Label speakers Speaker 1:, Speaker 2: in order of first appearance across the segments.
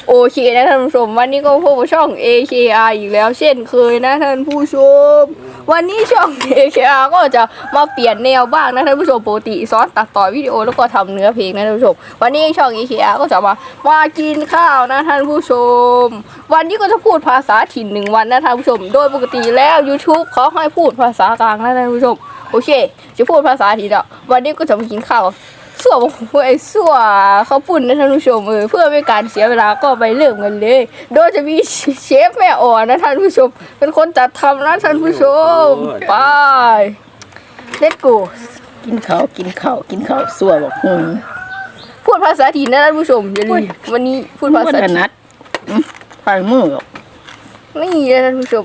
Speaker 1: โอเคนะท่านผู้ชมวันนี้ก็พบกับช่อง AKR อีกแล้วเช่นเคยนะท่านผู้ชมวันนี้ช่อง AKR ก็จะมาเปลี่ยนแนวบ้างนะท่านผู้ชมปกติสอนตัดต่อวิดีโอแล้วก็ทำเนื้อเพลงนะท่านผู้ชมวันนี้ช่อง AKR ก็จะมากินข้าวนะท่านผู้ชมวันนี้ก็จะพูดภาษาถิ่น1 วันนะท่านผู้ชมโดยปกติแล้ว YouTube เขาให้พูดภาษากลางนะท่านผู้ชมโอเคจะพูดภาษาถิ่นอ่ะวันนี้ก็จะมากินข้าวส่วนไอ้ส่วนเขาปุ่นนะท่านผู้ชมเพื่อไม่การเสียเวลาก็ไปเริ่มกันเลยโดยจะมีเชฟแม่อ่อนนะท่านผู้ชมเป็นคนจัดทำนะท่านผู้ชมไป let's go
Speaker 2: กินข้าวสั่วบอก
Speaker 1: พูดภาษาถิ่นนะท่านผู้ชมอย่าลืมวันนี้พูดภาษาถิ่น
Speaker 2: นัดฝ่ายมือหรอก
Speaker 1: นี่นะท่านผู้ชม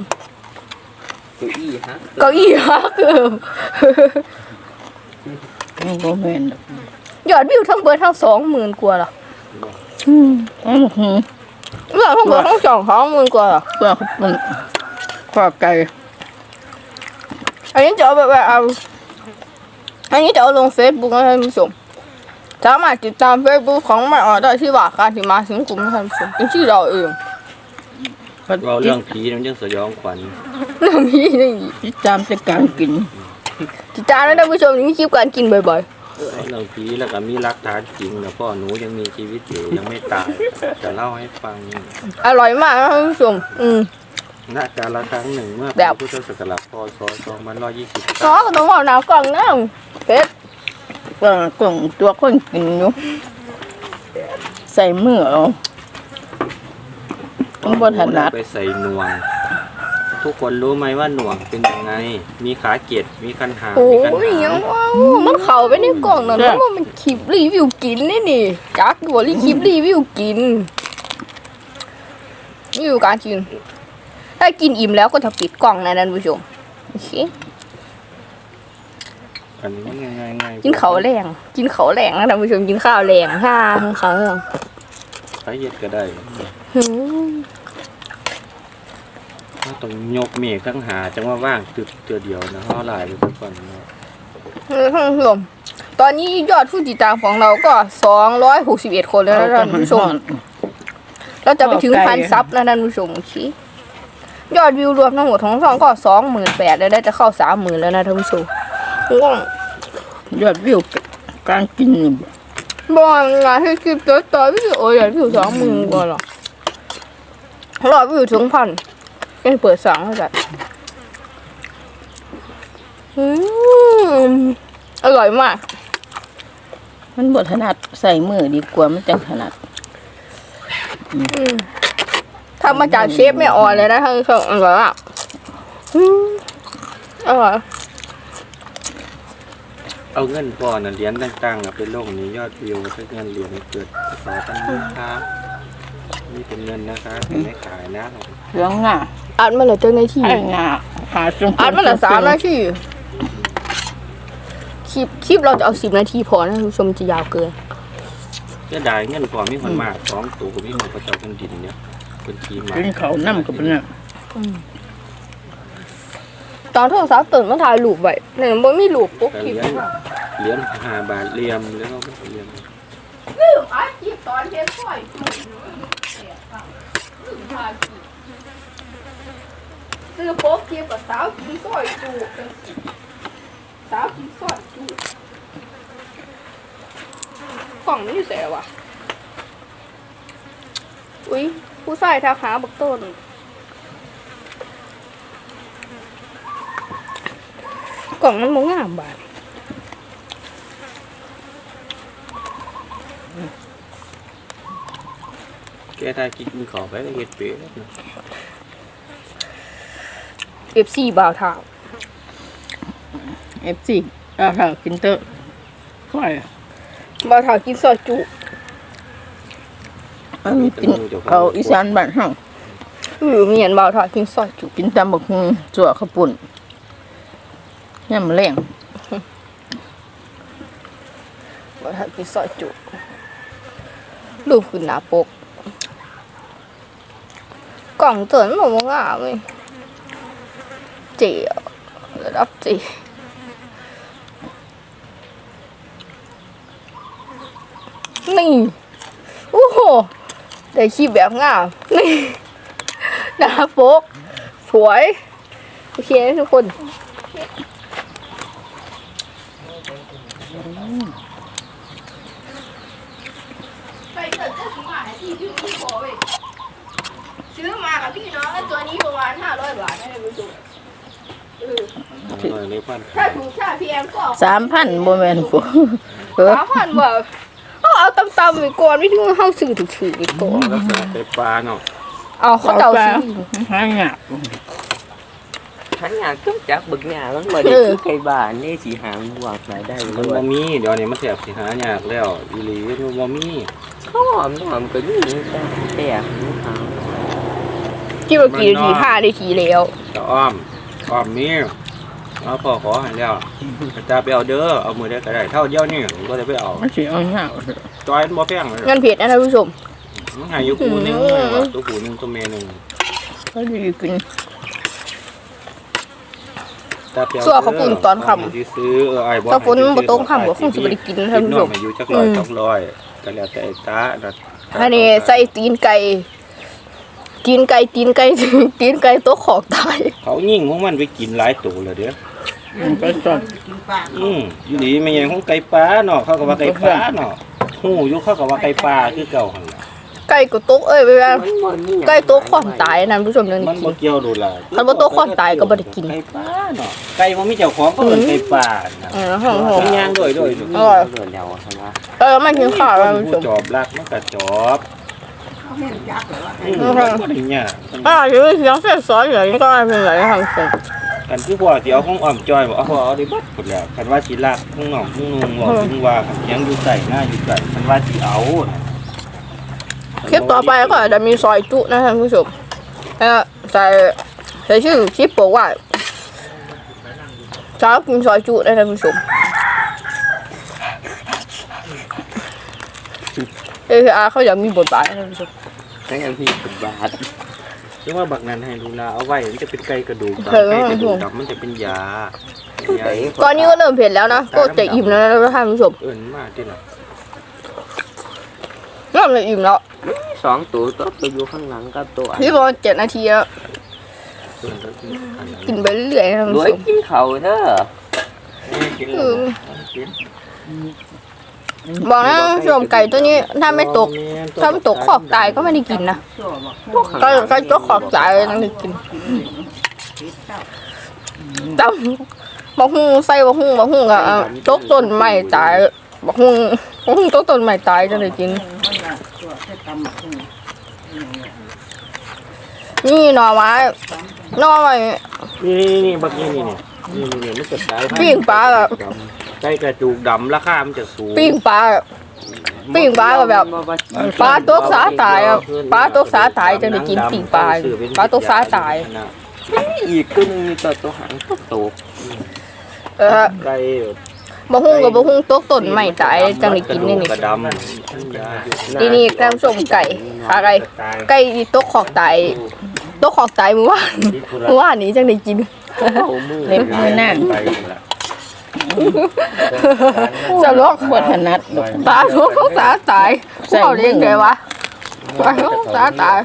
Speaker 3: เก้าอี้ฮะ
Speaker 1: เกือบ
Speaker 2: มันก็แม่น
Speaker 1: ยอดวิวทั้งเบิร์ดทั้ง20,000 กว่าหรอยอดทั้งเบิร์ดทั้ง20,000 กว่าหรอ
Speaker 2: เพื่อมันข้อไก่
Speaker 1: อันนี้จะเอาแบบเอาอันนี้จะเอาลง Facebook นะท่านผู้ชมสามารถติดตาม Facebook ของแม่ออได้ที่ว่าการที่มาถึงกลุ่มนะท่านผู้ชมเป็นชื่อเราเอง
Speaker 3: เราเรื่องผีมันยังสยองขวัญ
Speaker 1: เรื่องนี้นี่
Speaker 2: ติดตามแต่การกิน
Speaker 1: ติดตามนะท่านผู้ชมนี่มีคลิปการกินบ่อย
Speaker 3: เรื่องผีแล้วก็มีรักฐานจริงนะพ่อหนูยังมีชีวิตอยู่ยังไม่ตายจะเล่าให้ฟัง
Speaker 1: ๆอร่อยมากนะท่านผู้ชม
Speaker 3: ณกาลครั้งหนึ่งเมื่อ
Speaker 1: แบบ
Speaker 3: พุทธศักราชพศ2120
Speaker 1: ซอสก็ต้องเอาน้ำกล่องนะเผ็ด
Speaker 2: กล่องตัวคนกินอยู่ใส่มือเอาต้องบนถนัด
Speaker 3: ไปใส่หน่วง ทุกคนรู้ไหมว่าหน่วงเป็นยังไงมีขาเกตมีคันหาง
Speaker 1: โอ้
Speaker 3: มีคัน
Speaker 1: ย
Speaker 3: หา
Speaker 1: ยัง
Speaker 3: ง
Speaker 1: ว้าวมันเข้าไปในกล่องนั่นเพราะว่ามันคลิปรีวิวกินนี่จักอยู่รีคลิปรีวิวกินรีวิวการกินถ้ากินอิ่มแล้วก็จะปิดกล่องนะท่านผู้ชมโอเค
Speaker 3: อันนี้ง่ายๆ
Speaker 1: กินข้าวแรงนะท่านผู้ชมกินข้าวแรงฮ่าข้าวแรง
Speaker 3: ใช้เย็ดก็ได้
Speaker 1: หืม
Speaker 3: ต้องยกเมฆทั้งหาจังว่าว่างตึกตัวเดียวนะห่อลายไปทุกคนนะ
Speaker 1: ท่านผู้ชมตอนนี้ยอดผู้ติดตามของเราก็261 คนแล้วนะท่านผู้ชมเราจะไปถึง1,000 ซับนะท่านผู้ชมโอเคยอดวิวรวมทั้งหมดของช่องก็28,000แล้วได้จะเข้า30,000แล้วนะท่านผู้ชมง่วง
Speaker 2: ยอดวิวการกิน
Speaker 1: บอกงานให้คลิปต่อวิดีโอยอดวิว20,000 กว่าหรอรอดวิวถึง1,000เป็นเปิดสั่งให้ได้อร่อยมาก
Speaker 2: มันบดถนัดใส่มือดีกว่ามันจังถนัด
Speaker 1: ทำมาจากเชฟไม่อ่อนเลยนะท่านผู้ชมอร่อยมากอร่อย
Speaker 3: เอาเงินพ่อน่ะเหรียญต่างๆไปลงนี้ยอดวิวถ้าเงินเหรียญเกิดขอตั้งครับนี่เป็นเงินนะคะไม่ขายนะ
Speaker 2: เรื่องง่า
Speaker 1: อัดมาเลยเจ้าหน้าที่
Speaker 2: ไอ้ง่าหาจง
Speaker 1: อัดมาเลย3 นาทีคลิปเราจะเอา10 นาทีพอนะท่านผู้ชมจะยาวเกิน
Speaker 3: ก็ได้เงินพอมีคนมาก2 ตัวมีคนกระเจ้าเป็นดินเนี่ยเป็นทีมา
Speaker 2: กินเขาน้ำกับเป็นน่ะ
Speaker 1: ตอนโทรศัพท์ตื่นมาถ่ายรูปไว้เนี่ยมันมีรูปปุ๊บคลิป
Speaker 3: เหรียญ5 บาทเหลี่ยมแล้วก็เหลี่ยม
Speaker 1: อัดคลิปตอนเทปค่อยซื้อโป๊กคลิปกับสาวกินซอยจูสาวกินซอยจูกล่องนี้อยู่แสวะอุ้ยผู้ชายทักหาบักต้นกล่องมันมองงามบาด
Speaker 3: แกถ้ากินขอไปเฮ็ดเป๊ะ
Speaker 1: FC บ่าวเท้า
Speaker 2: FC ถ้ากินเตอร์ค่อย
Speaker 1: บ่าวเท้ากินซอยจุ
Speaker 2: กินเขาอีสานบ้านเฮา
Speaker 1: มีเห็นบ่าวเท้ากินซอยจุ
Speaker 2: กินตำบักหุ่งจั่วข้าวปุ้นยำแรง
Speaker 1: บ่าวเท้ากินซอยจุรูปขึ้นหน้าปกกล่องเตือนมันมองงามเลยเจ๋อระดับเจ๋นี่โอ้โหได้คลิปแบบงามนี่หน้าปกสวยโอเคทุกคนไปเกิดจะซื้อมาที่พี่ขอเว้ยซื้อมากับพี่น้องแล้วตัวนี้ประมาณ500 บาทนะคุณผู้ชม
Speaker 3: เลยพัน
Speaker 1: ถ้าถูกถ้าพี่แอมก็
Speaker 2: 3,000บ่แม่นบ่
Speaker 1: 3,000บาทเอาตำๆไปก่อนไม่ถึงเข้าซื้อถูกๆไปก่อน
Speaker 3: แล้วก็ไปปลาเนาะ
Speaker 1: เอาเขาเจ้าซื้อ
Speaker 2: หายาก
Speaker 4: hắn nhà cướp chắc bực nhà lắm mà đi cây bà nê chỉ hàng hoặc lại đây
Speaker 3: มันบ่มีเดี๋ยวนี้มันแสบสิหายากแล้วอีหลีมันบ่มี
Speaker 4: nó hòm cứng như ta tè nó hòm
Speaker 1: กี่ว่ากี่นาที5 นาทีแล้ว
Speaker 3: จะอ้อมมีเอาพ่อขอให้แล้วจะไปเอาเด้อเอามือได้ก็ได้เท่าเดียวนี่ผมก็จะไปเอา
Speaker 2: มันสิเอายาก
Speaker 3: จอยมันบ่แพงเลย
Speaker 1: เงินเผ็ดนะท่านผู้ชม
Speaker 3: มันให้อยู่คู่หนึงตัวคู่หนึงตัวแม่หนึง
Speaker 2: ก็ดีกิน
Speaker 1: ส่วนเขาปุ่นตอนค่ำ
Speaker 3: ที่ซื้อไอ้บ่
Speaker 1: ถ้าฝนบ่ตกค่ำก็คงสิบ่ได้กินนะท่านผู้ชม
Speaker 3: ให้อยู่จักร้อย200ก็แล้วแต่ตานะ
Speaker 1: อันนี้ใส่ตีนไก่ตัวขอกตาย
Speaker 3: เขายิ่งของมันไปกินหลายตัวแล้วเด้อ
Speaker 2: มันก็สด
Speaker 3: อยู่ดีไม่ยังของไก่ปลาเนาะเขาก็ว่าไก่ปลาเนาะหูอยู่เขาก็ว่าไก่ปลาคือเก่าหั่นล่ะ
Speaker 1: ไก่ก็ตกเอ้ยเวลาไก่ตัวขอกตายนะท่านผู้ชมนั่น
Speaker 3: มันบ่เกี่ยวดูล่ะ
Speaker 1: คันบ่ตัวขอกตายก็บ่ได้กิน
Speaker 3: ไก่ปลาเนาะไก่บ่มีเจ้าของก็เอิ้นไก่ปลานะ
Speaker 1: หอม
Speaker 3: มันย่างด้วย
Speaker 1: ๆอร่อย
Speaker 4: rồi đèo hả
Speaker 1: ไม่กินข้าวท่านผู้ช
Speaker 3: ผู้
Speaker 1: ม
Speaker 3: จอบรักมันก็จอบมันบ่ได้ยาก
Speaker 1: อยู่เสียงซอยๆอย่างนี้ก็ไม่เป็นไรท่านผู้ชม
Speaker 3: กันคือพ่อสิเอาของอ้อมจอยบ่เอาได้เบิดพุ่นแล้วคันว่าสิรักของน้องของนุ่งบ่ถึงว่าเสียงอยู่ใส่หน้าอยู่ใส่คันว่าสิเอาน่ะ
Speaker 1: คลิปต่อไปก็จะมีซอยจุนะท่านผู้ชมแล้วใส่ชื่อคลิปบอกว่าเช้ากินซอยจุนะท่านผู้ชมเขาอยากมีบทบาทนะท่านผู้ชม
Speaker 4: cái em thì cực bạt
Speaker 3: หรือว่าบักนั้นให้ดูแลเอาไว้มันจะเป็นไก่กระดูกดำ
Speaker 1: เออ
Speaker 3: ไก่กระดูกดำมันจะเป็นยา
Speaker 1: ตอนนี้ก็เริ่มเผ็ดแล้วนะก็จะอิ่มแล้วนะท่านผู้ชม
Speaker 3: เอิ้นมากที่น่ะ
Speaker 1: เริ่มจะอิ่มแล้ว
Speaker 4: xón tụi tốt tôi vô khăn lặng các tụi
Speaker 1: พี่บอก7 นาทีแล้ว
Speaker 3: เอิ้นแล้วอันนั้น
Speaker 1: กินไปเรื่อยๆนะท่านผู้ช
Speaker 4: đuổi
Speaker 1: ม
Speaker 4: chín khẩu đó
Speaker 3: กินแล้วกิน
Speaker 1: บอกนะท่านผู้ชมไก่ตัวนี้ถ้าไม่ตกขอบตายก็ไม่ได้กินนะก็ตัวขอบตายต้องได้กินตำบักหุ่งใส่บักหุ่งกับตกต้นไม้ตายบักหุ่งตกต้นไม้ตายจะได้กินนี่หน่อไม้
Speaker 3: นี่บักนี่มันจะตาย
Speaker 1: ปิ้งปลาแบบ
Speaker 3: ไก่กระดูกดำราคามันจะสูง
Speaker 1: ปิ้งปลาก็แบบปลาตกสาตายอะปลาตกสาตายจะได้กินปิ้งปลาตกสาตาย
Speaker 4: gì cứ như tụi hẳn tốt tụt
Speaker 3: ไก่
Speaker 1: บักหุ่งกับบักหุ่งตกต้นไม้ตายจังได้กินนี่
Speaker 3: กระดำ
Speaker 1: นี่ท่านผู้ชมไก่ขาไก่ตกขอกตายเมื่อวานนี้จังได้กิน
Speaker 2: เล็บมือนั่ง
Speaker 3: ไป
Speaker 1: จะลอก
Speaker 2: บ่ถนัดดอก
Speaker 1: ตาทุกตาตายเขาเรียกไงวะตาทุกตาตาย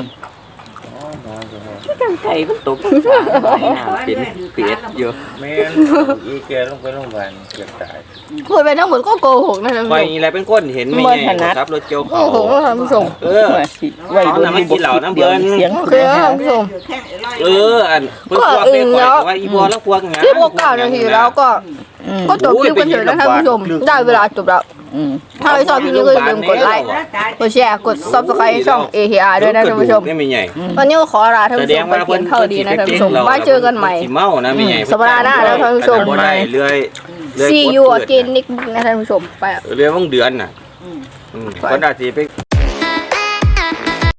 Speaker 4: cái cây nó tụt nào chín tiệt vô
Speaker 3: แม่อีแกลงไปโรงพยาบาลเกือบตาย
Speaker 1: พูดไปทั้งหมดก็โกหกนะท่าน
Speaker 3: ไป
Speaker 1: ผู้ชม
Speaker 3: อะไรเป็นคนเห็นไม่ไงครับรถเจียว
Speaker 1: โก
Speaker 3: เขา
Speaker 1: หกนะท่านผู้ชม
Speaker 3: เออ
Speaker 2: ว่าสิไว้
Speaker 3: เอาน้ำมากินเหล้าน้ำเบิ้ล
Speaker 2: เสียง
Speaker 1: โอเคนะท่านผู้ชม
Speaker 3: อันเพื่อนพวกเป็นคนว่าอีบัวแล้วพวกงาน
Speaker 1: ที่พวก9 นาทีแล้วก็จบคลิปกันเถอะนะท่านผู้ชมได้เวลาจบแล้วถ้าใครชอบคลิปนี้ก็อย่าลืมกดไลค์กดแชร์กด Subscribe ช่อง AKR ด้วยนะท่านผู้ชม
Speaker 3: นี่ไม่ใหญ่
Speaker 1: วันนี้ก็ขอลาท่านผู้ชมไปเพียงเท่านี้นะท่านผู้ชมไว้เจอกันใหม่
Speaker 3: เมานะไม่ใหญ่
Speaker 1: สัปดาห์หน้าแล้วท่านผู้ชม
Speaker 3: เรื่อย
Speaker 1: See you again นิกนะท่านผู้ชมไป
Speaker 3: เรื่อยว่างเดือนน่ะก็ได้สิไป